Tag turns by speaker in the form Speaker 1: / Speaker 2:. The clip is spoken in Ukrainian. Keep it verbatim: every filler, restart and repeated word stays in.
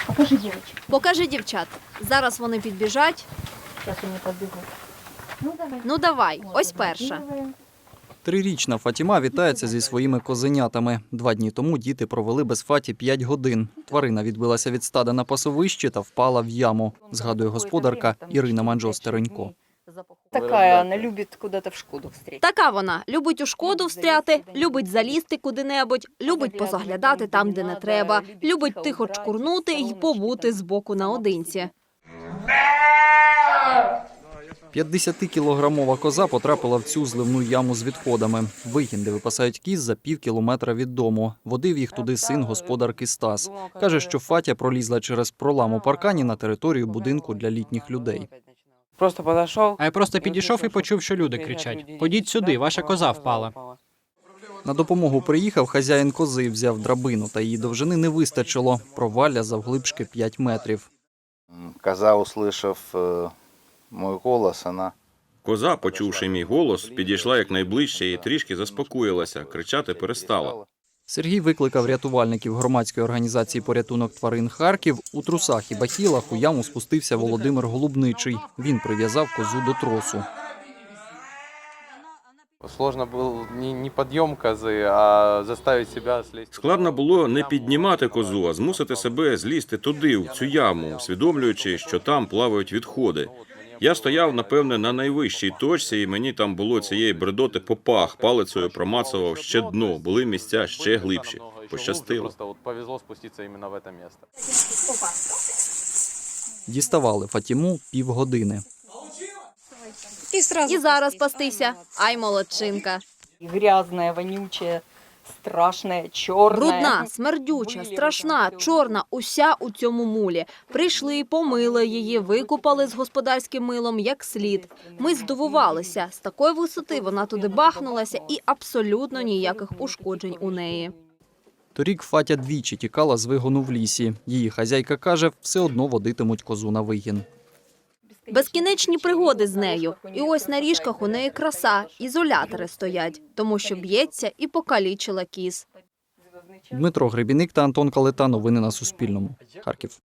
Speaker 1: Покажи дівчат.
Speaker 2: Покажи дівчат. Зараз вони підбіжать.
Speaker 1: Зараз вони підбігуть. Ну давай.
Speaker 2: Ну давай, ось перша.
Speaker 3: Трирічна Фатіма вітається зі своїми козенятами. Два дні тому діти провели без Фаті п'ять годин. Тварина відбилася від стада на пасовищі та впала в яму, згадує господарка Ірина Манджо-Стеренько.
Speaker 1: Така, вона любить кудись в шкоду встріти.
Speaker 2: Така вона. Любить у шкоду встряти, любить залізти куди-небудь, любить позаглядати там, де не треба, любить тихо чкурнути й побути збоку наодинці.
Speaker 3: п'ятдесятикілограмова коза потрапила в цю зливну яму з відходами. Вигін, де випасають кіз, за пів кілометра від дому. Водив їх туди син господарки Стас. Каже, що Фатя пролізла через пролам у паркані на територію будинку для літніх людей.
Speaker 4: Просто підійшов.
Speaker 5: А я просто підійшов і почув, що люди кричать: «Ходіть сюди, ваша коза впала».
Speaker 3: На допомогу приїхав хазяїн кози, взяв драбину, та її довжини не вистачило. Провалля завглибшки п'ять метрів.
Speaker 6: Коза, услышав мій голос, вона...
Speaker 7: Коза, почувши мій голос, підійшла якнайближче і трішки заспокоїлася, кричати перестала.
Speaker 3: Сергій викликав рятувальників громадської організації «Порятунок тварин Харків». У трусах і бахілах у яму спустився Володимир Голубничий. Він прив'язав козу до тросу.
Speaker 4: Сложно був не підйом кози, а заставити себе злізти.
Speaker 7: Складно було не піднімати козу, а змусити себе злізти туди, в цю яму, усвідомлюючи, що там плавають відходи. Я стояв, напевне, на найвищій точці, і мені там було цієї бредоти по пах, палицею промацував ще дно, були місця ще глибші. Пощастило.
Speaker 4: Просто повезло спуститися іменно в це місце.
Speaker 3: Діставали Фатіму півгодини.
Speaker 2: І зараз пастися. Ай, молодчинка.
Speaker 1: Грязна, вонюча, страшна, чорна.
Speaker 2: Брудна, смердюча, страшна, чорна, уся у цьому мулі. Прийшли, помили її, викупали з господарським милом як слід. Ми здивувалися. З такої висоти вона туди бахнулася і абсолютно ніяких ушкоджень у неї.
Speaker 3: Торік Фатя двічі тікала з вигону в лісі. Її хазяйка каже, все одно водитимуть козу на вигін.
Speaker 2: Безкінечні пригоди з нею. І ось на ріжках у неї краса, ізолятори стоять, тому що б'ється і покалічила кіз.
Speaker 3: Дмитро Гребіник та Антон Калета. Новини на Суспільному. Харків.